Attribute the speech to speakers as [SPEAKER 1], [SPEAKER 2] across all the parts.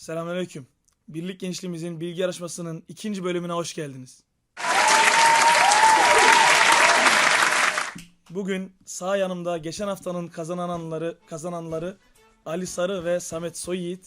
[SPEAKER 1] Selamünaleyküm. Birlik Gençliğimizin bilgi yarışmasının 2. bölümüne hoş geldiniz. Bugün sağ yanımda geçen haftanın kazananları Ali Sarı ve Samet Soyyiğit.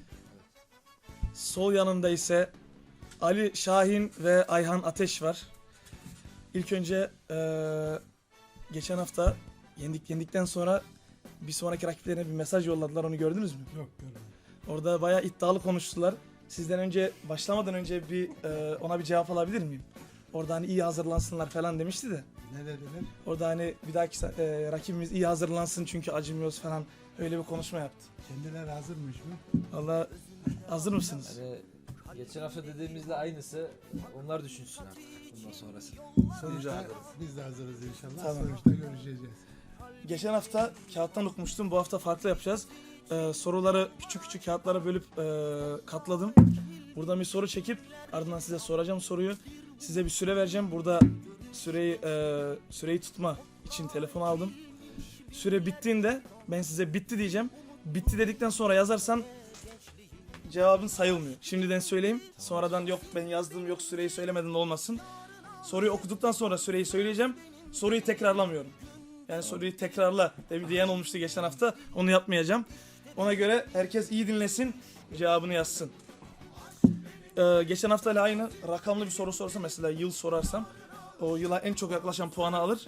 [SPEAKER 1] Sol yanımda ise Ali Şahin ve Ayhan Ateş var. İlk önce geçen hafta yendikten sonra bir sonraki rakiplerine bir mesaj yolladılar, onu gördünüz mü?
[SPEAKER 2] Yok, görmedim.
[SPEAKER 1] Orada bayağı iddialı konuştular. Sizden önce, başlamadan önce ona bir cevap alabilir miyim? Orada hani iyi hazırlansınlar falan demişti de.
[SPEAKER 2] Ne dediler?
[SPEAKER 1] Orada hani bir dahaki rakibimiz iyi hazırlansın çünkü acımıyoruz falan, öyle bir konuşma yaptı.
[SPEAKER 2] Kendileri hazırmış mı?
[SPEAKER 1] Vallahi hazır mısınız?
[SPEAKER 3] Yani geçen hafta dediğimizle aynısı, onlar düşünsün artık bundan sonrası.
[SPEAKER 2] Sonuçta biz de hazırız inşallah.
[SPEAKER 1] Tamam.
[SPEAKER 2] Sonuçta görüşeceğiz.
[SPEAKER 1] Geçen hafta kağıttan okumuştum. Bu hafta farklı yapacağız. Soruları küçük kağıtlara bölüp katladım. Buradan bir soru çekip ardından size soracağım soruyu. Size bir süre vereceğim. Burada süreyi tutma için telefon aldım. Süre bittiğinde ben size bitti diyeceğim. Bitti dedikten sonra yazarsan cevabın sayılmıyor. Şimdiden söyleyeyim. Sonradan yok ben yazdım, yok süreyi söylemedin de olmasın. Soruyu okuduktan sonra süreyi söyleyeceğim. Soruyu tekrarlamıyorum. Yani soruyu tekrarla diyen olmuştu geçen hafta. Onu yapmayacağım. Ona göre herkes iyi dinlesin, cevabını yazsın. Geçen haftayla aynı rakamlı bir soru sorsam, mesela yıl sorarsam, o yıla en çok yaklaşan puanı alır.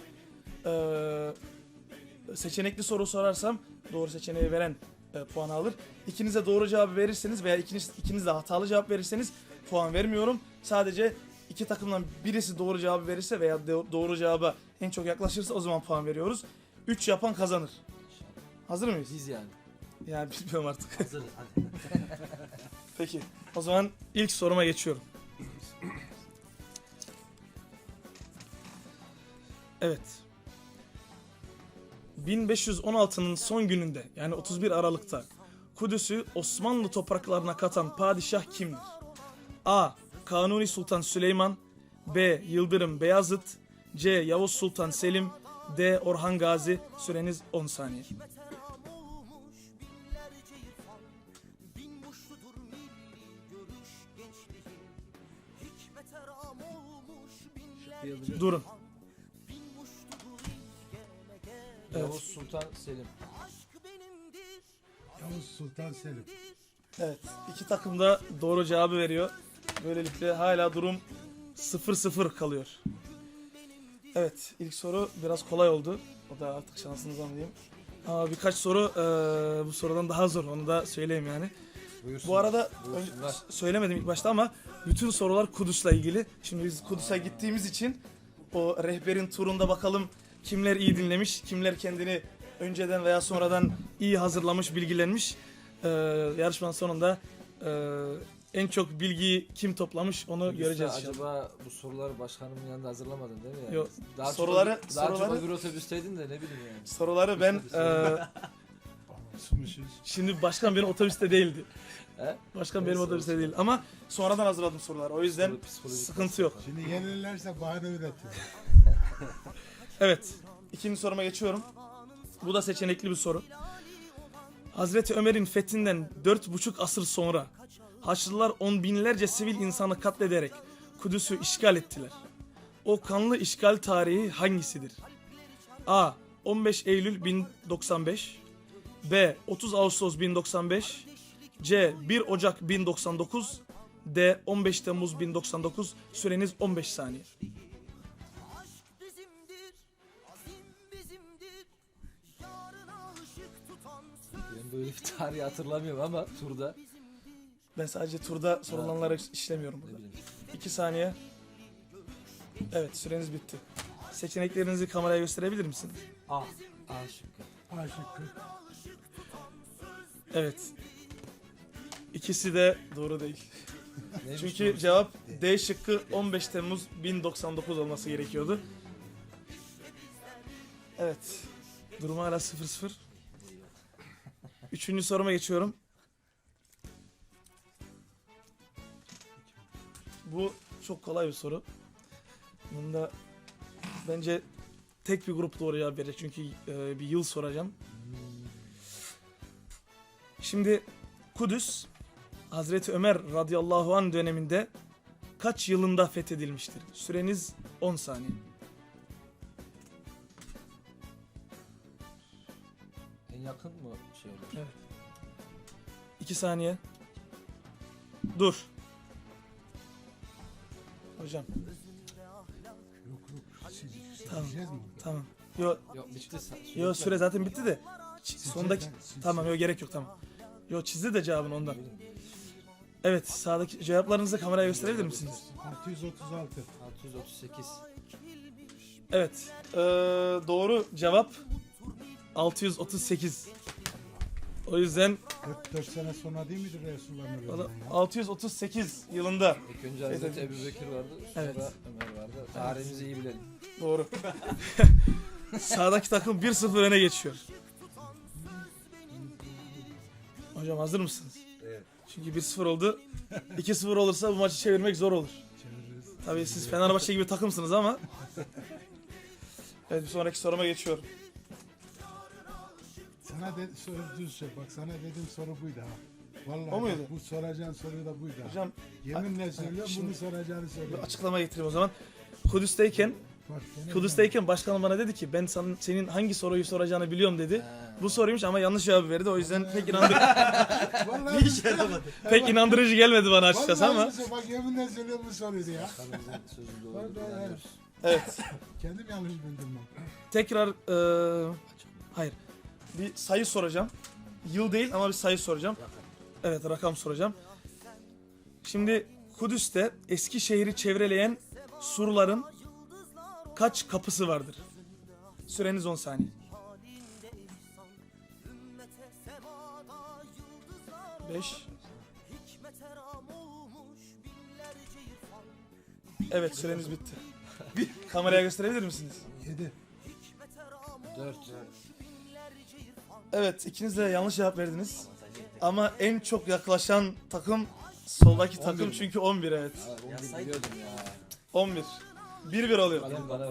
[SPEAKER 1] Seçenekli soru sorarsam doğru seçeneği veren puanı alır. İkiniz de doğru cevabı verirseniz veya ikiniz de hatalı cevap verirseniz puan vermiyorum. Sadece iki takımdan birisi doğru cevabı verirse veya doğru cevaba en çok yaklaşırsa o zaman puan veriyoruz. 3 yapan kazanır. Hazır mıyız?
[SPEAKER 3] Biz yani.
[SPEAKER 1] Yani bilmiyorum artık.
[SPEAKER 3] Hazırız hadi.
[SPEAKER 1] Peki. O zaman ilk soruma geçiyorum. Evet. 1516'nın son gününde, yani 31 Aralık'ta Kudüs'ü Osmanlı topraklarına katan padişah kimdir? A. Kanuni Sultan Süleyman, B. Yıldırım Beyazıt, C. Yavuz Sultan Selim, D. Orhan Gazi. Süreniz 10 saniye. Durun.
[SPEAKER 3] Yavuz Sultan Selim.
[SPEAKER 2] Yavuz Sultan Selim.
[SPEAKER 1] Evet, iki takım da doğru cevabı veriyor. Böylelikle hala durum 0-0 kalıyor. Evet, ilk soru biraz kolay oldu. O da artık şansınıza mı diyeyim. Ama birkaç soru bu sorudan daha zor, onu da söyleyeyim yani.
[SPEAKER 3] Buyursunlar.
[SPEAKER 1] Bu arada
[SPEAKER 3] Buyursunlar.
[SPEAKER 1] söylemedim ilk başta ama bütün sorular Kudüs'le ilgili. Şimdi biz Kudüs'e gittiğimiz için o rehberin turunda bakalım kimler iyi dinlemiş, kimler kendini önceden veya sonradan iyi hazırlamış, bilgilenmiş. Yarışmanın sonunda en çok bilgiyi kim toplamış onu
[SPEAKER 3] Kudüs'te
[SPEAKER 1] göreceğiz inşallah.
[SPEAKER 3] acaba bu soruları başkanımın yanında hazırlamadın değil mi yani?
[SPEAKER 1] Yok.
[SPEAKER 3] Daha
[SPEAKER 1] Soruları-
[SPEAKER 3] çok öbür otobüsteydin de ne bileyim yani.
[SPEAKER 1] Soruları ben
[SPEAKER 2] Basmışız.
[SPEAKER 1] şimdi başkan benim otobüste değildi.
[SPEAKER 3] He?
[SPEAKER 1] Başkan
[SPEAKER 3] Neyse,
[SPEAKER 1] benim otobüste
[SPEAKER 3] olsun.
[SPEAKER 1] değil ama sonradan hazırladım soruları. O yüzden
[SPEAKER 3] Psikolojik
[SPEAKER 1] sıkıntı yok.
[SPEAKER 2] Şimdi yenilirlerse bahane üretiyor.
[SPEAKER 1] Evet. İkinci soruma geçiyorum. Bu da seçenekli bir soru. Hazreti Ömer'in fethinden 4,5 asır sonra Haçlılar on binlerce sivil insanı katlederek Kudüs'ü işgal ettiler. O kanlı işgal tarihi hangisidir? A. 15 Eylül 1095, B. 30 Ağustos 1095, C. 1 Ocak 1099, D. 15 Temmuz 1099. Süreniz 15 saniye.
[SPEAKER 3] Ben böyle bir tarihi hatırlamıyorum ama turda
[SPEAKER 1] Ben sadece turda sorulanları işlemiyorum
[SPEAKER 3] ne
[SPEAKER 1] burada.
[SPEAKER 3] bileyim.
[SPEAKER 1] 2 saniye. Evet, süreniz bitti. Seçeneklerinizi kameraya gösterebilir misiniz?
[SPEAKER 3] A. A şıkkı.
[SPEAKER 2] A şıkkı.
[SPEAKER 1] Evet. İkisi de doğru değil.
[SPEAKER 3] Neymiş
[SPEAKER 1] Çünkü
[SPEAKER 3] doğrusu?
[SPEAKER 1] cevap D şıkkı 15 Temmuz 1099 olması gerekiyordu. Evet. Durum hala 0-0. Üçüncü soruma geçiyorum. Bu çok kolay bir soru. Bunda bence tek bir grup doğru cevap verecek çünkü bir yıl soracağım. Şimdi Kudüs Hazreti Ömer radıyallahu anh döneminde kaç yılında fethedilmiştir? Süreniz 10 saniye.
[SPEAKER 3] En yakın mı şey olur?
[SPEAKER 1] Evet. 2 saniye. Dur. Hocam
[SPEAKER 2] Yok.
[SPEAKER 1] Tamam.
[SPEAKER 2] Sileceğiz mi?
[SPEAKER 1] tamam. Yo,
[SPEAKER 3] Yok bitti.
[SPEAKER 1] yo süre zaten bitti de. Sondaki
[SPEAKER 2] Sileceğiz.
[SPEAKER 1] tamam, yo gerek yok, tamam. Yo çizdi de cevabını ondan. Evet, sağdaki cevaplarınızı kameraya gösterebilir misiniz?
[SPEAKER 2] 636.
[SPEAKER 3] 638.
[SPEAKER 1] Evet. Doğru cevap 638. O yüzden
[SPEAKER 2] 4 sene sonra değil midir Resulullah'ın ölümünden ya?
[SPEAKER 1] 638 yılında.
[SPEAKER 3] İlk önce Hazreti Ebu Bekir vardı. Sonra
[SPEAKER 1] Evet.
[SPEAKER 3] Ömer vardı. Tarihimizi iyi bilelim.
[SPEAKER 1] Doğru. Sağdaki takım 1-0 öne geçiyor. Hocam hazır mısınız?
[SPEAKER 2] Evet.
[SPEAKER 1] Çünkü 1-0 oldu. 2-0 olursa bu maçı çevirmek zor olur.
[SPEAKER 2] Çeviririz.
[SPEAKER 1] Tabii siz Fenerbahçe gibi takımsınız ama. Evet, bir sonraki soruma geçiyorum.
[SPEAKER 2] Sana soru düz şey. Bak sana dediğim soru buydu ha. Vallahi
[SPEAKER 1] O muydu?
[SPEAKER 2] bak, bu soracağın soru da buydu ha.
[SPEAKER 1] Hocam
[SPEAKER 2] Yeminle söylüyorum
[SPEAKER 1] şimdi-
[SPEAKER 2] bunu soracağını
[SPEAKER 1] bir
[SPEAKER 2] söylüyorum.
[SPEAKER 1] açıklama getireyim o zaman. Kudüs'teyken başkanım bana dedi ki ben senin hangi soruyu soracağını biliyorum dedi. Bu soruymuş ama yanlış cevabı verdi. O yüzden
[SPEAKER 2] Vallahi bir şey
[SPEAKER 1] pek inandırıcı gelmedi bana açıkçası ama.
[SPEAKER 2] Bak yeminle söylüyorum bu soruydu ya.
[SPEAKER 3] Bakanımızın sözü doğru.
[SPEAKER 2] Pardon,
[SPEAKER 3] inanıyoruz.
[SPEAKER 1] Evet.
[SPEAKER 2] Kendim yanlış bildim ben.
[SPEAKER 1] Tekrar hayır. Bir sayı soracağım. Yıl değil ama bir sayı soracağım. Evet, rakam soracağım. Şimdi Kudüs'te eski şehri çevreleyen surların kaç kapısı vardır? Süreniz 10 saniye. 5. Evet, süreniz bitti. Kameraya gösterebilir misiniz?
[SPEAKER 2] 7.
[SPEAKER 3] 4.
[SPEAKER 1] Evet, ikiniz de yanlış cevap verdiniz. Ama en çok yaklaşan takım soldaki takım
[SPEAKER 3] 11.
[SPEAKER 1] çünkü 11, evet.
[SPEAKER 3] Onu biliyordum ya.
[SPEAKER 1] 11. 1-1 oluyor.
[SPEAKER 3] Kalem bana ver.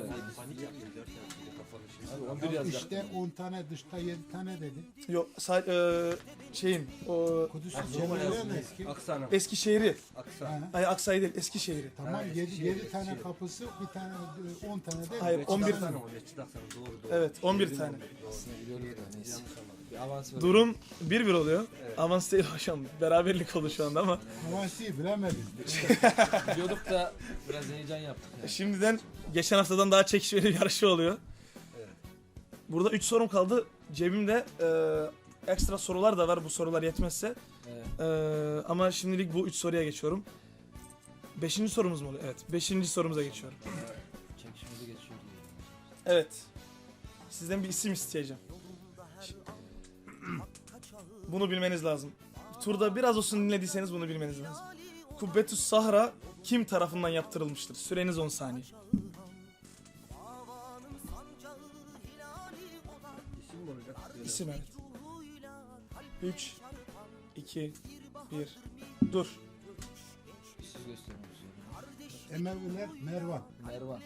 [SPEAKER 3] Abi 11 yazacak.
[SPEAKER 2] İşte 10 tane dışta 7 tane dedi.
[SPEAKER 1] Yok, şeyin o
[SPEAKER 2] Kudüs'ün çevreleri mi eski?
[SPEAKER 4] Aksana.
[SPEAKER 1] Eskişehir'i.
[SPEAKER 4] Aksa.
[SPEAKER 2] Ha,
[SPEAKER 1] Hayır, Aksa'yı değil, Eskişehir'i.
[SPEAKER 2] tamam 7 tane kapısı bir tane 10 tane değil mi?
[SPEAKER 1] Hayır, 11
[SPEAKER 4] Aksana
[SPEAKER 1] tane.
[SPEAKER 4] oluyor. Çıdaksana. Doğru doğru.
[SPEAKER 1] Evet, 11 tane.
[SPEAKER 3] Aslında biliyordum da neyse. Bir avans ver.
[SPEAKER 1] Durum 1-1 oluyor. Avans değil hocam. Beraberlik oldu şu anda ama.
[SPEAKER 2] Havasi bilemedim.
[SPEAKER 3] Biliyorduk da biraz heyecan yaptık yani.
[SPEAKER 1] Şimdiden geçen haftadan daha çekişmeli bir yarışı oluyor. Burada 3 sorum kaldı. Cebimde ekstra sorular da var bu sorular yetmezse.
[SPEAKER 3] Evet.
[SPEAKER 1] Ama şimdilik bu 3 soruya geçiyorum. 5. sorumuz mu oluyor? Evet. 5. sorumuza geçiyorum.
[SPEAKER 3] Çekişmeli geçiyor diye.
[SPEAKER 1] Evet. Sizden bir isim isteyeceğim. Bunu bilmeniz lazım. Turda biraz olsun dinlediyseniz bunu bilmeniz lazım. Kubbetüs Sahra kim tarafından yaptırılmıştır? Süreniz 10 saniye.
[SPEAKER 4] İsim mi olacak?
[SPEAKER 1] İsim, evet. 3 2 1 Dur.
[SPEAKER 3] Siz gösterin.
[SPEAKER 2] Emeviler Mervan.
[SPEAKER 3] Mervan.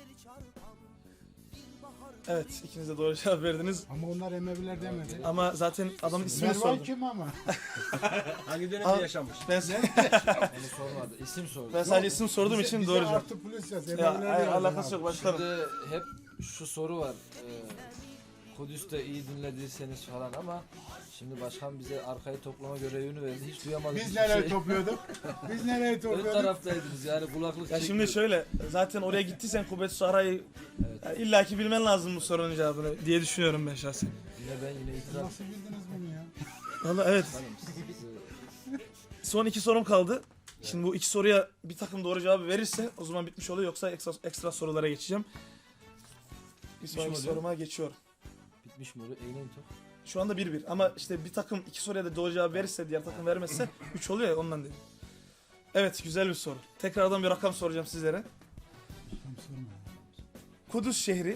[SPEAKER 1] Evet, ikiniz de doğru cevap verdiniz.
[SPEAKER 2] Ama onlar Emeviler demedi.
[SPEAKER 1] Ama zaten adamın ismini
[SPEAKER 2] Mervan
[SPEAKER 1] sordum.
[SPEAKER 2] kim ama?
[SPEAKER 4] Hangi dönemde
[SPEAKER 1] Al.
[SPEAKER 4] yaşamış?
[SPEAKER 1] Ben,
[SPEAKER 3] Onu sormadı. İsim sordu.
[SPEAKER 1] ben sadece isim sorduğum için doğru cevap.
[SPEAKER 2] Artı plus yaz.
[SPEAKER 1] Ya,
[SPEAKER 2] Emeviler
[SPEAKER 1] hayır,
[SPEAKER 2] yaz
[SPEAKER 1] alakası
[SPEAKER 2] abi.
[SPEAKER 1] yok başkanım.
[SPEAKER 3] Şimdi hep şu soru var. Kudüs'te iyi dinlediyseniz falan ama şimdi başkan bize arkayı toplama görevini verdi. Hiç duyamadık.
[SPEAKER 2] Biz
[SPEAKER 3] hiçbir
[SPEAKER 2] neler
[SPEAKER 3] şey.
[SPEAKER 2] topluyorduk? Biz neler
[SPEAKER 3] Ön
[SPEAKER 2] topluyorduk?
[SPEAKER 3] taraftaydınız yani kulaklık
[SPEAKER 1] Ya şimdi
[SPEAKER 3] çekmiyorduk.
[SPEAKER 1] şöyle, zaten oraya gittiysen Kubbetüs Sahra'yı
[SPEAKER 3] Evet.
[SPEAKER 1] illaki bilmen lazım bu sorunun cevabını diye düşünüyorum ben şahsen.
[SPEAKER 3] Yine ben yine itiraf
[SPEAKER 2] Nasıl bildiniz bunu ya?
[SPEAKER 1] Vallahi evet.
[SPEAKER 3] Hanım, siz-
[SPEAKER 1] Son 2 sorum kaldı. Şimdi bu 2 soruya bir takım doğru cevabı verirse o zaman bitmiş oluyor, yoksa ekstra sorulara geçeceğim. Bir sonraki
[SPEAKER 3] oluyor?
[SPEAKER 1] soruma geçiyorum.
[SPEAKER 3] bitmiş mi oluyor? Eğlenin top.
[SPEAKER 1] Şu anda 1-1 ama işte bir takım 2 soruya da doğru cevap verirse, diğer takım vermezse 3 oluyor ya, ondan dedim. Evet, güzel bir soru. Tekrardan bir rakam soracağım sizlere.
[SPEAKER 2] Tam sorma.
[SPEAKER 1] Kudüs şehri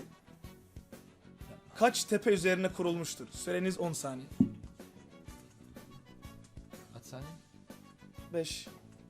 [SPEAKER 1] kaç tepe üzerine kurulmuştur? Süreniz 10 saniye.
[SPEAKER 3] Kaç saniye?
[SPEAKER 1] 5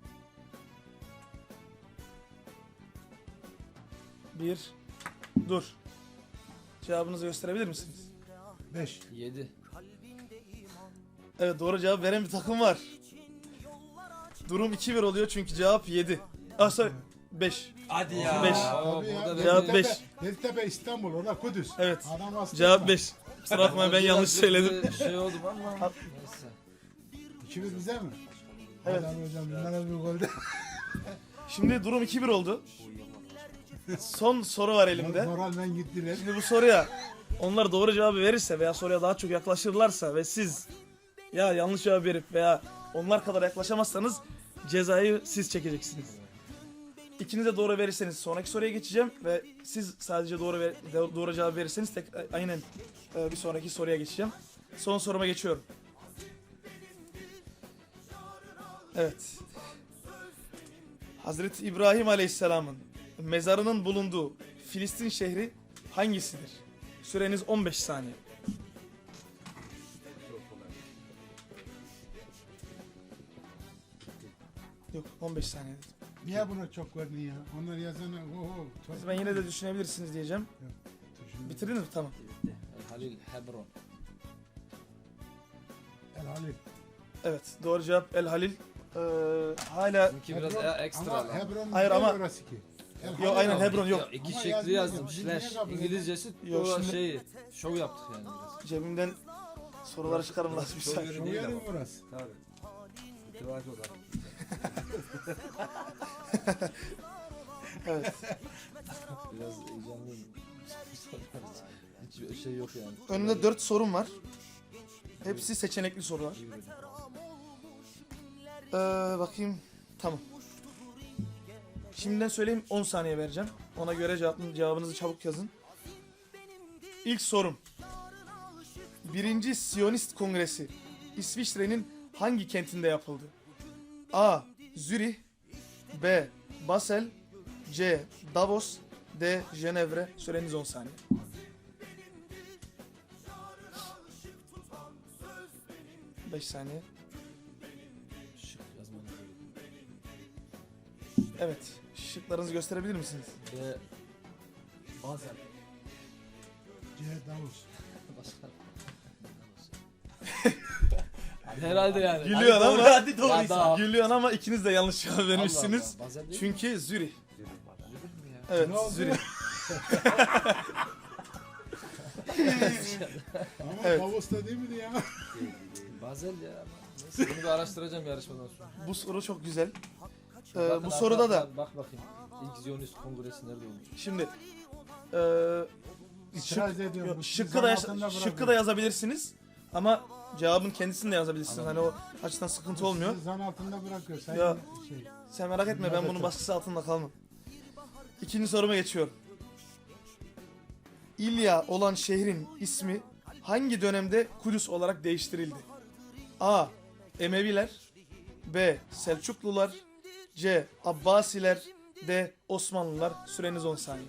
[SPEAKER 1] 1 Dur. Cevabınızı gösterebilir misiniz?
[SPEAKER 2] 5.
[SPEAKER 3] 7.
[SPEAKER 1] Evet, doğru cevap veren bir takım var. Durum 2-1 oluyor çünkü cevap 7. Ah sorry 5.
[SPEAKER 3] Hadi ya.
[SPEAKER 1] Beş.
[SPEAKER 3] Oo,
[SPEAKER 2] Tabii ya,
[SPEAKER 3] burada
[SPEAKER 1] Cevap
[SPEAKER 3] belli.
[SPEAKER 1] beş.
[SPEAKER 2] Yeditepe İstanbul, orada Kudüs.
[SPEAKER 1] Evet.
[SPEAKER 2] Adam hasta
[SPEAKER 1] Cevap
[SPEAKER 2] olma.
[SPEAKER 1] 5. Kusura bakmayın ben yanlış söyledim.
[SPEAKER 3] Şey oldum ama neyse.
[SPEAKER 2] 2-1 bize mi?
[SPEAKER 1] Evet.
[SPEAKER 2] Adam hocam bunlara bir golde.
[SPEAKER 1] Şimdi durum 2-1 oldu. Son soru var elimde.
[SPEAKER 2] Moralmen gittiler.
[SPEAKER 1] Şimdi bu soruya onlar doğru cevabı verirse veya soruya daha çok yaklaşırlarsa ve siz ya yanlış cevap verip veya onlar kadar yaklaşamazsanız cezayı siz çekeceksiniz. İkiniz de doğru verirseniz sonraki soruya geçeceğim ve siz sadece doğru cevap verirseniz aynen bir sonraki soruya geçeceğim. Son soruma geçiyorum. Evet. Hazreti İbrahim Aleyhisselam'ın mezarının bulunduğu Filistin şehri hangisidir? Süreniz 15 saniye. Yok 15 saniye dedim.
[SPEAKER 2] Niye buna çok verdin ya? Onlar yazana oho.
[SPEAKER 1] Ben yine de düşünebilirsiniz diyeceğim. Bitirdiniz mi? Tamam.
[SPEAKER 3] Halil Hebron.
[SPEAKER 2] El Halil.
[SPEAKER 1] Evet doğru cevap El Halil. Hala
[SPEAKER 3] Çünkü biraz
[SPEAKER 2] Hebron-
[SPEAKER 3] ekstra
[SPEAKER 2] ama
[SPEAKER 3] lan.
[SPEAKER 2] Hebron
[SPEAKER 1] Hayır
[SPEAKER 2] değil
[SPEAKER 1] ama-
[SPEAKER 2] orası ki. El
[SPEAKER 1] Yok,
[SPEAKER 2] Halil
[SPEAKER 1] aynen
[SPEAKER 2] ama.
[SPEAKER 1] Hebron yok.
[SPEAKER 3] Ya, iki
[SPEAKER 2] Ama
[SPEAKER 3] şekli
[SPEAKER 2] yazmıyor.
[SPEAKER 3] yazdım.
[SPEAKER 2] Biz niye
[SPEAKER 3] Slash.
[SPEAKER 2] kabul
[SPEAKER 3] İngilizcesi
[SPEAKER 1] Yok,
[SPEAKER 3] o
[SPEAKER 1] şimdi-
[SPEAKER 3] şey şov yaptık yani biraz.
[SPEAKER 1] cebimden soruları çıkarım lazım bir
[SPEAKER 3] Çok
[SPEAKER 1] saniye.
[SPEAKER 3] yönü
[SPEAKER 2] Şu
[SPEAKER 3] değil
[SPEAKER 2] yerim
[SPEAKER 3] ama.
[SPEAKER 2] orası.
[SPEAKER 4] Tabii. İtibarcı olan.
[SPEAKER 1] Evet.
[SPEAKER 3] Biraz heyecanlıyım. Hiçbir şey yok yani.
[SPEAKER 1] Önümde 4 sorum var. Hepsi seçenekli sorular.
[SPEAKER 3] İyi böyle.
[SPEAKER 1] Bakayım. Tamam. Şimdiden söyleyeyim 10 saniye vereceğim. Ona göre cevabınızı çabuk yazın. İlk sorum. 1. Siyonist Kongresi İsviçre'nin hangi kentinde yapıldı? A. Zürih B. Basel C. Davos D. Cenevre. Süreniz 10 saniye. Beş saniye.
[SPEAKER 3] Şık yazmanı gerekiyor.
[SPEAKER 1] Evet. Şıklarınızı gösterebilir misiniz?
[SPEAKER 3] Ve bazen
[SPEAKER 2] C. Davos.
[SPEAKER 3] başka. Herhalde yani.
[SPEAKER 1] Gülüyor
[SPEAKER 3] Hadi
[SPEAKER 1] ama.
[SPEAKER 3] doğru, hadi doğruysa.
[SPEAKER 1] Gülüyorsun ama ikiniz de yanlış cevap vermişsiniz.
[SPEAKER 3] Allah Allah, bazen değil mi?
[SPEAKER 1] Çünkü Zürih.
[SPEAKER 3] Zürih mi ya?
[SPEAKER 1] Evet,
[SPEAKER 2] Ne oldu?
[SPEAKER 1] Zürih.
[SPEAKER 2] Ama
[SPEAKER 1] Evet.
[SPEAKER 2] Davos'ta değil miydi ya?
[SPEAKER 3] Bazel ya ama. Neyse bunu bir araştıracağım yarışmadan sonra.
[SPEAKER 1] Bu soru çok güzel.
[SPEAKER 3] Bakın
[SPEAKER 1] Bu soruda da
[SPEAKER 3] arkadaşlar, bak bakayım. İlk Ziyonist Kongresi nerede olmuş?
[SPEAKER 1] şimdi
[SPEAKER 2] İtiraz ediyorum.
[SPEAKER 1] yok,
[SPEAKER 2] Bu
[SPEAKER 1] şıkkı da,
[SPEAKER 2] zan altında
[SPEAKER 1] şıkkı da
[SPEAKER 2] bırakın.
[SPEAKER 1] yazabilirsiniz ama cevabın kendisini de yazabilirsiniz. Hani o açıdan sıkıntı olmuyor.
[SPEAKER 2] Sizi zan altında bırakıyor. Sayın
[SPEAKER 1] Ya.
[SPEAKER 2] şey.
[SPEAKER 1] Sen merak etme ben bunun baskısı altında kalmam. İkinci soruma geçiyorum. İlya olan şehrin ismi hangi dönemde Kudüs olarak değiştirildi? A. Emeviler B. Selçuklular C. Abbasiler D. Osmanlılar. Süreniz 10 saniye.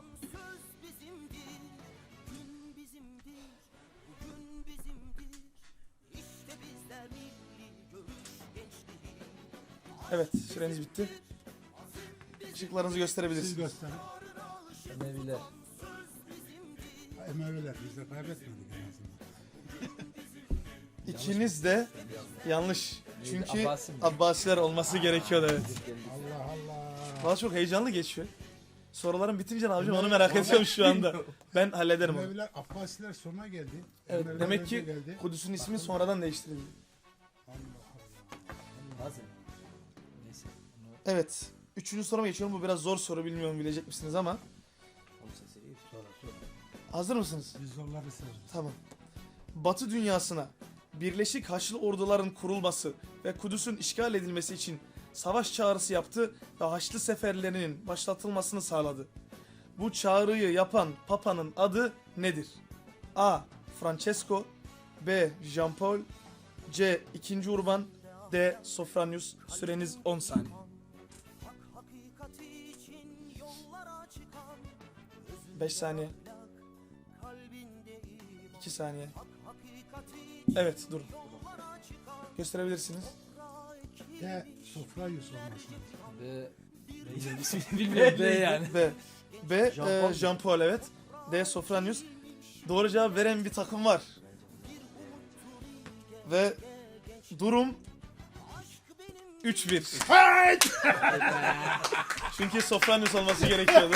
[SPEAKER 1] Evet, süreniz bitti. Işıklarınızı
[SPEAKER 2] Siz
[SPEAKER 1] gösterebilirsiniz.
[SPEAKER 2] gösterin.
[SPEAKER 3] Emeviler.
[SPEAKER 2] Emeviler biz de kaybetmedik en azından.
[SPEAKER 1] İkiniz de yanlış. Çünkü
[SPEAKER 3] Abbasi mi?
[SPEAKER 1] Abbasiler olması gerekiyordu evet.
[SPEAKER 2] Allah Allah.
[SPEAKER 1] Valla çok heyecanlı geçiyor. Soruların bitince ne yapacağım onu
[SPEAKER 2] Emevi-
[SPEAKER 1] merak ediyorum şu anda. Ben hallederim onu.
[SPEAKER 2] Emeviler Abbasiler sona geldi.
[SPEAKER 1] Evet,
[SPEAKER 2] Emeviler
[SPEAKER 1] demek
[SPEAKER 2] önce
[SPEAKER 1] ki
[SPEAKER 2] geldi.
[SPEAKER 1] Kudüs'ün ismi sonradan değiştirildi.
[SPEAKER 2] Allah Allah.
[SPEAKER 3] Bazen. Neyse. Bunu
[SPEAKER 1] Evet. Üçüncü soruma geçiyorum. Bu biraz zor soru. Bilmiyorum bilecek misiniz ama.
[SPEAKER 3] olsa iyi.
[SPEAKER 4] Sonra.
[SPEAKER 1] Hazır mısınız?
[SPEAKER 2] Biz zorları severiz.
[SPEAKER 1] Tamam. Batı dünyasına Birleşik Haçlı Orduların kurulması ve Kudüs'ün işgal edilmesi için savaş çağrısı yaptı ve Haçlı seferlerinin başlatılmasını sağladı. Bu çağrıyı yapan Papa'nın adı nedir? A. Francesco B. Jean Paul C. 2. Urban D. Sofronius. Süreniz 10 saniye. Beş saniye. 2 saniye. Evet durun. Gösterebilirsiniz.
[SPEAKER 2] De Sofrayus olması lazım.
[SPEAKER 3] Ve bilmiyorum B yani.
[SPEAKER 1] B. B.
[SPEAKER 3] Jean-Paul.
[SPEAKER 1] Jean Paul evet. D. Sofronius. Doğru cevap veren bir takım var. Ve durum 3-1.
[SPEAKER 2] Hayt!
[SPEAKER 1] Çünkü Sofranius olması gerekiyordu.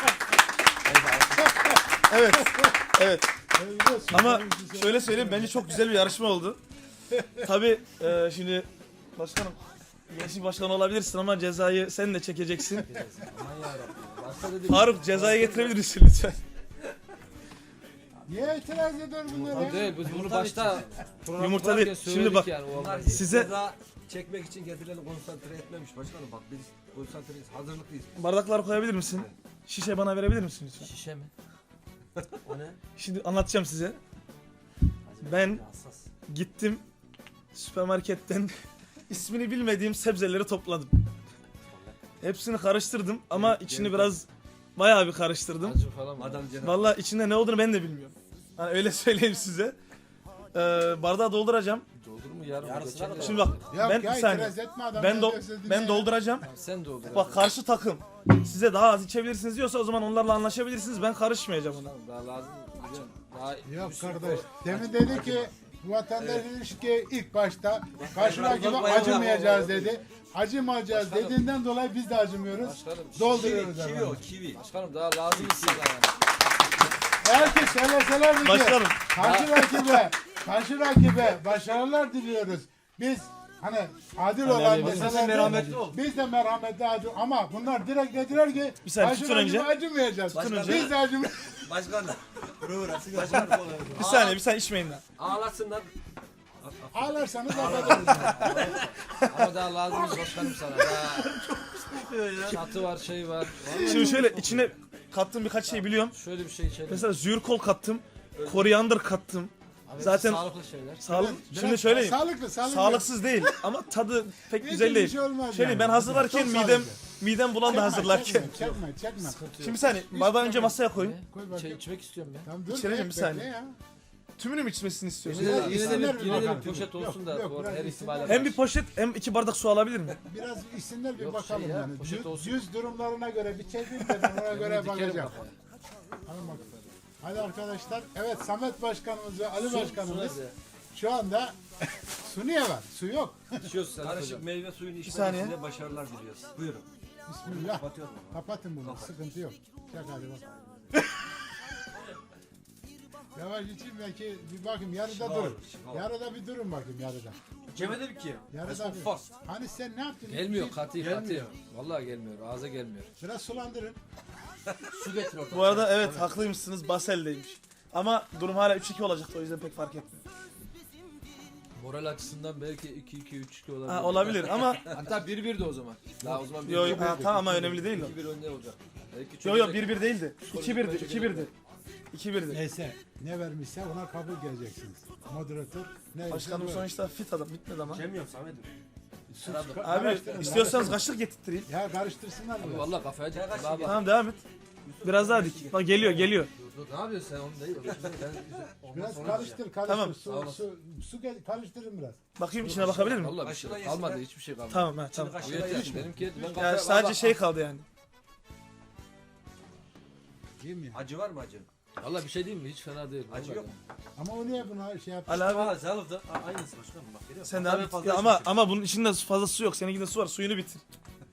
[SPEAKER 1] Evet. Evet. Ama şöyle söyleyeyim, bence çok güzel bir yarışma oldu. Tabii şimdi başkanım, gençlik başkanı olabilirsin ama cezayı sen de çekeceksin.
[SPEAKER 3] Aman yarabbim. Başka dedim.
[SPEAKER 1] Faruk, cezayı getirebilir misin lütfen?
[SPEAKER 2] Niye itiraz eder bunlara?
[SPEAKER 3] Değil, biz bunu başta program
[SPEAKER 1] Yumurta
[SPEAKER 3] kurarken
[SPEAKER 1] değil. Şimdi
[SPEAKER 3] söyledik
[SPEAKER 1] bak,
[SPEAKER 3] yani, o olmaz.
[SPEAKER 1] Size-
[SPEAKER 4] Ceza çekmek için kendilerini konsantre etmemiş başkanım. Bak biz konsantreyiz, hazırlıklıyız.
[SPEAKER 1] Bardakları koyabilir misin? Şişe bana verebilir misin lütfen?
[SPEAKER 3] Şişe mi?
[SPEAKER 4] O ne?
[SPEAKER 1] Şimdi anlatacağım size. Ben
[SPEAKER 4] Hassas.
[SPEAKER 1] gittim süpermarketten ismini bilmediğim sebzeleri topladım. Hepsini karıştırdım ama içini biraz bayağı bir karıştırdım.
[SPEAKER 3] Acı falan mı?
[SPEAKER 4] Adam cenab
[SPEAKER 1] Vallahi içinde ne olduğunu ben de bilmiyorum. Hani öyle söyleyeyim size. Bardağı dolduracağım.
[SPEAKER 3] Doldur mu yarım?
[SPEAKER 4] Yarısına
[SPEAKER 3] Geçen
[SPEAKER 4] kadar.
[SPEAKER 3] de-
[SPEAKER 1] Şimdi bak,
[SPEAKER 2] Yok
[SPEAKER 1] ben
[SPEAKER 2] ya,
[SPEAKER 1] bir saniye.
[SPEAKER 2] itiraz etme adam.
[SPEAKER 1] Ben
[SPEAKER 2] ne
[SPEAKER 1] do
[SPEAKER 2] diyorsa dinle
[SPEAKER 1] ben
[SPEAKER 2] ya.
[SPEAKER 1] dolduracağım.
[SPEAKER 3] Tamam, sen doldur.
[SPEAKER 1] Bak, karşı takım size daha az içebilirsiniz diyorsa o zaman onlarla anlaşabilirsiniz. Ben karışmayacağım ona.
[SPEAKER 3] Tamam, daha lazım. Güzel. Daha
[SPEAKER 2] Yok
[SPEAKER 3] bir sürü
[SPEAKER 2] kardeş.
[SPEAKER 3] koy.
[SPEAKER 2] Demin dedi ki bu vatandaş ilişki ilk başta karşı
[SPEAKER 4] Bak,
[SPEAKER 2] rakibe
[SPEAKER 4] bak, bak,
[SPEAKER 2] acımayacağız
[SPEAKER 3] bak.
[SPEAKER 2] dedi. Acımayacağız
[SPEAKER 3] Başkanım.
[SPEAKER 2] dediğinden dolayı biz de acımıyoruz.
[SPEAKER 3] Başkanım,
[SPEAKER 2] Dolduruyoruz
[SPEAKER 4] Kivi
[SPEAKER 2] efendim.
[SPEAKER 4] o, kivi.
[SPEAKER 3] Başkanım daha lazım sana yani.
[SPEAKER 2] Eğer ki söyleselerdi ki
[SPEAKER 1] Başkanım.
[SPEAKER 2] karşı rakibe başarılar diliyoruz. Biz hani adil olan
[SPEAKER 1] biz de
[SPEAKER 2] deselerdi,
[SPEAKER 4] merhametli ol.
[SPEAKER 2] biz de merhametli adil ama bunlar direkt dediler ki
[SPEAKER 1] Bir saniye,
[SPEAKER 2] karşı
[SPEAKER 1] tutun
[SPEAKER 2] rakibe
[SPEAKER 1] önce.
[SPEAKER 2] acımayacağız.
[SPEAKER 1] Tutun önce.
[SPEAKER 2] Biz de acımayacağız.
[SPEAKER 4] Başkanım. Burası başkanım.
[SPEAKER 1] Bir saniye içmeyin lan.
[SPEAKER 4] Ağlasınlar.
[SPEAKER 2] Ağlarsanız affedersiniz.
[SPEAKER 3] Ama daha lazım başkanım sana. Daha çatı var, şey var.
[SPEAKER 1] Şimdi şöyle içine kattığım birkaç şey biliyorum.
[SPEAKER 3] Şöyle bir şey içelim.
[SPEAKER 1] Mesela zürkol kattım. Koriander kattım.
[SPEAKER 3] Abi,
[SPEAKER 1] zaten-
[SPEAKER 3] sağlıklı şeyler.
[SPEAKER 1] Sağlık.
[SPEAKER 2] Biraz
[SPEAKER 1] Şimdi söyleyeyim.
[SPEAKER 2] Sağlıklı.
[SPEAKER 1] Sağlıksız değil ama tadı pek
[SPEAKER 2] Hiç
[SPEAKER 1] güzel
[SPEAKER 2] bir
[SPEAKER 1] değil.
[SPEAKER 2] şey olmaz
[SPEAKER 1] Şöyle
[SPEAKER 2] yani.
[SPEAKER 1] ben hazırlarken
[SPEAKER 2] Çok
[SPEAKER 1] midem
[SPEAKER 2] sağlıklı.
[SPEAKER 1] bulandı hazırlarken.
[SPEAKER 2] Çekme.
[SPEAKER 3] Sıkıntı
[SPEAKER 1] Şimdi
[SPEAKER 3] yok.
[SPEAKER 1] bir saniye bardağı önce masaya koyun.
[SPEAKER 2] Koy
[SPEAKER 3] Şey
[SPEAKER 2] bakayım.
[SPEAKER 3] içmek istiyorum ben.
[SPEAKER 2] Tamam dur.
[SPEAKER 1] İçelim bir
[SPEAKER 2] bekle
[SPEAKER 1] saniye.
[SPEAKER 2] ya.
[SPEAKER 1] Tümünü mü içmesini istiyorsun?
[SPEAKER 3] Yine de,
[SPEAKER 2] Biraz
[SPEAKER 3] yine de
[SPEAKER 2] isimler
[SPEAKER 3] bir,
[SPEAKER 2] bir
[SPEAKER 3] yine de
[SPEAKER 2] bakalım.
[SPEAKER 3] bir poşet olsun da
[SPEAKER 2] Yok,
[SPEAKER 3] bu
[SPEAKER 2] biraz
[SPEAKER 3] her
[SPEAKER 2] isimler.
[SPEAKER 3] ihtimale
[SPEAKER 1] Hem bir poşet hem 2 bardak su alabilir mi?
[SPEAKER 2] Biraz isimler bir
[SPEAKER 3] Yok,
[SPEAKER 2] bakalım
[SPEAKER 3] şey ya,
[SPEAKER 2] yani.
[SPEAKER 3] poşet olsun.
[SPEAKER 2] Yüz durumlarına göre bir çekeyim de ben ona göre bakacağım. Hadi bakalım. Hadi arkadaşlar. Evet Samet Başkanımız ve Ali Başkanımız şu anda su niye var? Su yok.
[SPEAKER 4] İçiyoruz sen. Karışık meyve suyunu
[SPEAKER 1] saniye.
[SPEAKER 4] içmenize başarılar diliyoruz. Buyurun.
[SPEAKER 2] Bismillah.
[SPEAKER 4] Kapatıyorum.
[SPEAKER 2] Kapatın bunu. Sıkıntı yok. Çak hadi bak. Yavaş için belki bir bakayım yarıda
[SPEAKER 4] Şifa
[SPEAKER 2] durun.
[SPEAKER 4] olur, şifa olur.
[SPEAKER 2] Yarıda bir durun bakayım yarıda.
[SPEAKER 4] İçemedim ki.
[SPEAKER 2] Yarıda bir.
[SPEAKER 4] Fast.
[SPEAKER 2] Hani sen ne yaptın?
[SPEAKER 3] Gelmiyor katı
[SPEAKER 4] Gelmiyor.
[SPEAKER 3] Vallahi gelmiyor. Ağza gelmiyor.
[SPEAKER 2] Biraz sulandırın.
[SPEAKER 4] Su getir oradan.
[SPEAKER 1] Bu arada evet haklıymışsınız, Basel'deymiş. Ama durum hala 3-2 olacaktı, o yüzden pek fark etmiyor.
[SPEAKER 3] Moral açısından belki 2-2 3-2 olabilir.
[SPEAKER 1] Ha, olabilir ama
[SPEAKER 3] Hatta 1-1 de o zaman. Daha o zaman 1-1.
[SPEAKER 1] yo, tamam ama önemli değil o.
[SPEAKER 3] 2-1 önde olacak. Belki
[SPEAKER 1] Yo
[SPEAKER 3] çözecek.
[SPEAKER 1] 1-1 değildi. 2-1'di. 2-1'di. 2-1'di.
[SPEAKER 2] Neyse ne vermişse ona kabul geleceksiniz. Moderatör ne
[SPEAKER 1] Başkanım
[SPEAKER 2] vermişse
[SPEAKER 1] sonuçta fit adam, bitmedi ama.
[SPEAKER 4] İçemiyorum Samet'im.
[SPEAKER 1] Abi istiyorsanız kaşık getirttireyim.
[SPEAKER 2] Ya karıştırsınlar
[SPEAKER 3] Abi
[SPEAKER 2] biraz.
[SPEAKER 3] vallahi kafaya dik. Bak bak.
[SPEAKER 1] Tamam devam et. Biraz daha dik. Bak geliyor.
[SPEAKER 3] Dur, ne yapıyorsun sen onu değil.
[SPEAKER 2] Biraz karıştır.
[SPEAKER 1] Tamam.
[SPEAKER 2] Karıştırın biraz.
[SPEAKER 1] Bakayım içine bakabilir miyim?
[SPEAKER 3] Vallahi bir şey
[SPEAKER 4] Kaşıkla
[SPEAKER 3] kalmadı.
[SPEAKER 4] yesinler.
[SPEAKER 3] Hiçbir şey kalmadı.
[SPEAKER 1] Tamam ha tamam.
[SPEAKER 3] Bu yeter. Benimki ben
[SPEAKER 1] Yani
[SPEAKER 3] kafaya
[SPEAKER 1] sadece
[SPEAKER 3] vallahi-
[SPEAKER 1] şey kaldı yani.
[SPEAKER 2] Değil mi ya?
[SPEAKER 4] Acı var mı acı?
[SPEAKER 3] Vallahi bir şey diyeyim mi? Hiç fena değil.
[SPEAKER 4] Acı
[SPEAKER 3] vallahi.
[SPEAKER 4] yok.
[SPEAKER 2] Ama o niye buna şey yaptı?
[SPEAKER 1] Ali abi
[SPEAKER 4] Valla sağlıkta aynısı başkanım bak görüyor musun?
[SPEAKER 1] sen
[SPEAKER 4] Tabii
[SPEAKER 1] devam et.
[SPEAKER 4] fazla
[SPEAKER 1] Ya ama
[SPEAKER 4] içmişim.
[SPEAKER 1] bunun içinde fazla su yok. Seninkinde su var. Suyunu bitir.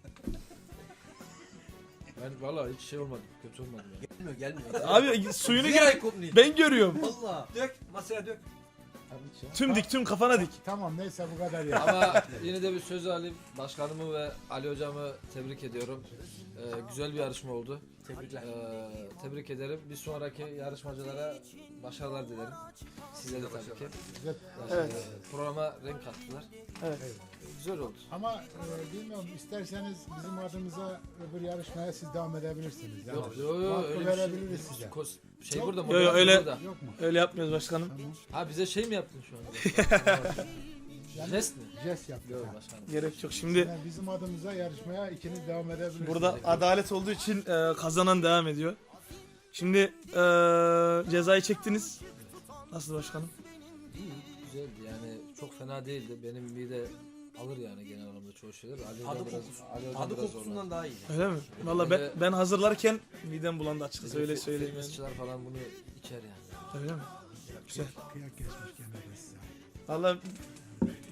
[SPEAKER 3] Ben vallahi hiç şey olmadı. Kötü olmadı yani.
[SPEAKER 4] Gelmiyor.
[SPEAKER 1] Abi suyunu
[SPEAKER 4] Bir
[SPEAKER 1] gel.
[SPEAKER 4] ay kopmayayım.
[SPEAKER 1] Ben görüyorum.
[SPEAKER 4] Valla. Dök masaya dök.
[SPEAKER 1] Tüm kafana dik.
[SPEAKER 2] Tamam neyse bu kadar ya.
[SPEAKER 3] Ama yine de bir söz alayım. Başkanımı ve Ali hocamı tebrik ediyorum. Güzel bir yarışma oldu.
[SPEAKER 4] Tebrikler.
[SPEAKER 3] Tebrik ederim. Bir sonraki yarışmacılara başarılar dilerim. Size de tabii ki.
[SPEAKER 2] Güzel.
[SPEAKER 1] Evet.
[SPEAKER 3] Programa renk kattılar.
[SPEAKER 1] Evet.
[SPEAKER 3] Güzel oldu.
[SPEAKER 2] Ama bilmiyorum isterseniz bizim adımıza öbür yarışmaya siz devam edebilirsiniz. Yani.
[SPEAKER 3] Yok
[SPEAKER 2] Hakkı
[SPEAKER 3] öyle bir
[SPEAKER 2] verebiliriz
[SPEAKER 3] şey.
[SPEAKER 2] size.
[SPEAKER 3] Şey
[SPEAKER 2] Yok.
[SPEAKER 3] burada mı?
[SPEAKER 1] Yo, yo, öyle-
[SPEAKER 3] Burada.
[SPEAKER 2] Yok mu?
[SPEAKER 1] Öyle yapmıyoruz başkanım.
[SPEAKER 2] Tamam.
[SPEAKER 3] Ha bize şey mi yaptın şu anda?
[SPEAKER 2] Yani
[SPEAKER 3] Jest mi?
[SPEAKER 2] jest yaptık.
[SPEAKER 3] Yok
[SPEAKER 2] ha.
[SPEAKER 3] başkanım.
[SPEAKER 1] Gerek yok. Şimdi
[SPEAKER 2] Yani bizim adımıza yarışmaya ikiniz devam edebilirsiniz.
[SPEAKER 1] burada adalet olduğu için kazanan devam ediyor. Şimdi cezayı çektiniz. Nasıl başkanım?
[SPEAKER 3] İyi, güzeldi yani çok fena değildi. Benim mide alır yani genel anlamda çoğu şeyler. Ali Hocam
[SPEAKER 4] Tadı
[SPEAKER 3] biraz-
[SPEAKER 4] kokusu.
[SPEAKER 3] Ali Hocam
[SPEAKER 4] Tadı
[SPEAKER 3] biraz
[SPEAKER 4] kokusundan
[SPEAKER 3] zorladı.
[SPEAKER 4] daha iyi.
[SPEAKER 1] Öyle mi? Valla ben hazırlarken midem bulandı açıkçası, öyle söyleyeyim yani.
[SPEAKER 3] Fitnessçiler falan bunu içer yani.
[SPEAKER 1] Öyle mi? Güzel.
[SPEAKER 2] Kıyak geçmiş gene de size.
[SPEAKER 1] Valla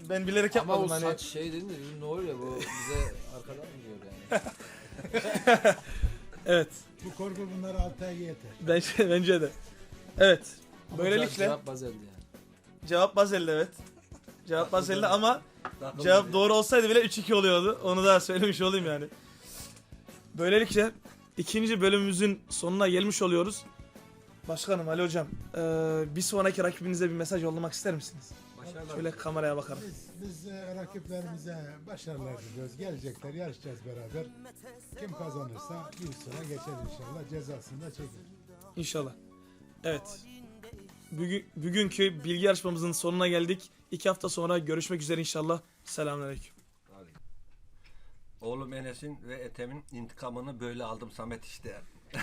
[SPEAKER 1] Ben bilerek
[SPEAKER 3] Ama
[SPEAKER 1] yapmadım
[SPEAKER 3] o
[SPEAKER 1] hani.
[SPEAKER 3] saç şey dedin de dedim, ne oluyor bu bize arkadan mı diyor yani.
[SPEAKER 1] Evet.
[SPEAKER 2] Bu korku bunları 6 ay yeter.
[SPEAKER 1] Bence de. Evet.
[SPEAKER 3] Ama
[SPEAKER 1] Böylelikle
[SPEAKER 3] cevap bazeldi yani.
[SPEAKER 1] cevap Bazel'de evet. Cevap Bazel'de ama
[SPEAKER 4] Takıldı
[SPEAKER 1] cevap
[SPEAKER 4] diye.
[SPEAKER 1] doğru olsaydı bile 3-2 oluyordu. Onu da söylemiş olayım yani. Böylelikle ikinci bölümümüzün sonuna gelmiş oluyoruz. Başkanım Ali Hocam, bir sonraki rakibinize bir mesaj yollamak ister misiniz?
[SPEAKER 4] Başarılar.
[SPEAKER 1] Şöyle kameraya bakarak.
[SPEAKER 2] Biz rakiplerimize başarılar diliyoruz. Gelecekler, yarışacağız beraber. Kim kazanırsa bir sıra geçer inşallah. Cezasını da çeker.
[SPEAKER 1] İnşallah. Evet. Bugünkü bilgi yarışmamızın sonuna geldik. 2 hafta sonra görüşmek üzere inşallah. Selamünaleyküm.
[SPEAKER 4] Oğlum Enes'in ve Ethem'in intikamını böyle aldım Samet işte.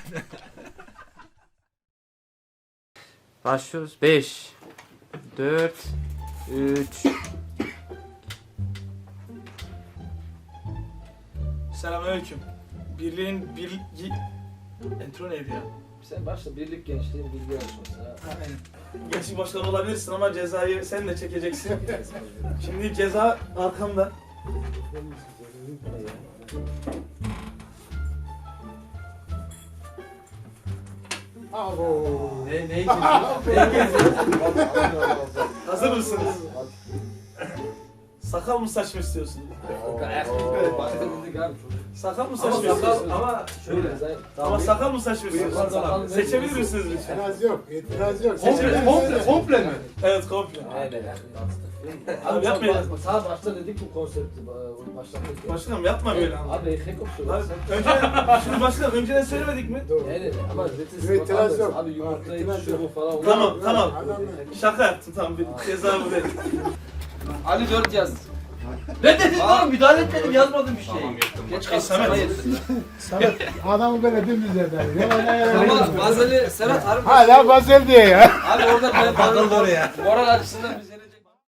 [SPEAKER 5] Başlıyoruz. 5 4 3
[SPEAKER 1] Selamünaleyküm. Birliğin bilgi... Entro neydi ya?
[SPEAKER 3] Sen başla birlik gençliğin bilgi yarışması ha.
[SPEAKER 1] Gençlik başkanı olabilirsin ama cezayı sen de çekeceksin. Şimdi ceza arkamda.
[SPEAKER 3] Neyi geziyorsun? Neyi geziyorsun?
[SPEAKER 1] Hazır mısınız? Sakal mı saç mı istiyorsun?
[SPEAKER 3] Başka dedik abi.
[SPEAKER 1] Sakal mı saç
[SPEAKER 3] Ama
[SPEAKER 1] mı
[SPEAKER 3] sakal,
[SPEAKER 1] istiyorsun?
[SPEAKER 3] ama şöyle sen...
[SPEAKER 1] Ama sakal mı saç mı istiyorsun?
[SPEAKER 3] Sakal-
[SPEAKER 1] Seçebilir misiniz lütfen?
[SPEAKER 2] İtiraz yok, itiraz yok.
[SPEAKER 1] Komple mi? Evet komple.
[SPEAKER 3] Aynen.
[SPEAKER 1] Abi yapmayın.
[SPEAKER 3] Sağ başta dedik bu konsepti başlattık.
[SPEAKER 1] Başkanım yapma böyle ama.
[SPEAKER 3] Abi hep
[SPEAKER 1] Abi, önce, şimdi başkanım önceden söylemedik mi?
[SPEAKER 2] Doğru.
[SPEAKER 3] Evet ama
[SPEAKER 2] İtiraz yok.
[SPEAKER 3] Abi yumurtayı
[SPEAKER 2] İtiraz
[SPEAKER 3] şu
[SPEAKER 2] yok.
[SPEAKER 3] bu falan.
[SPEAKER 1] Tamam tamam.
[SPEAKER 2] Adam
[SPEAKER 1] Şaka yaptım tamam bir ceza bu değil.
[SPEAKER 3] Ali 4 yaz.
[SPEAKER 4] Ne dedin oğlum? Müdahale etmedim, yazmadım bir şey.
[SPEAKER 3] Geç kalsın
[SPEAKER 1] Samet.
[SPEAKER 3] sana yedirdim.
[SPEAKER 2] Samet adamı böyle dümdüz eder.
[SPEAKER 3] Ama Bazeli Serhat harbi.
[SPEAKER 2] Hala Basel diye ya.
[SPEAKER 3] Abi orada ben
[SPEAKER 4] Takıldı oraya.
[SPEAKER 3] moral açısından biz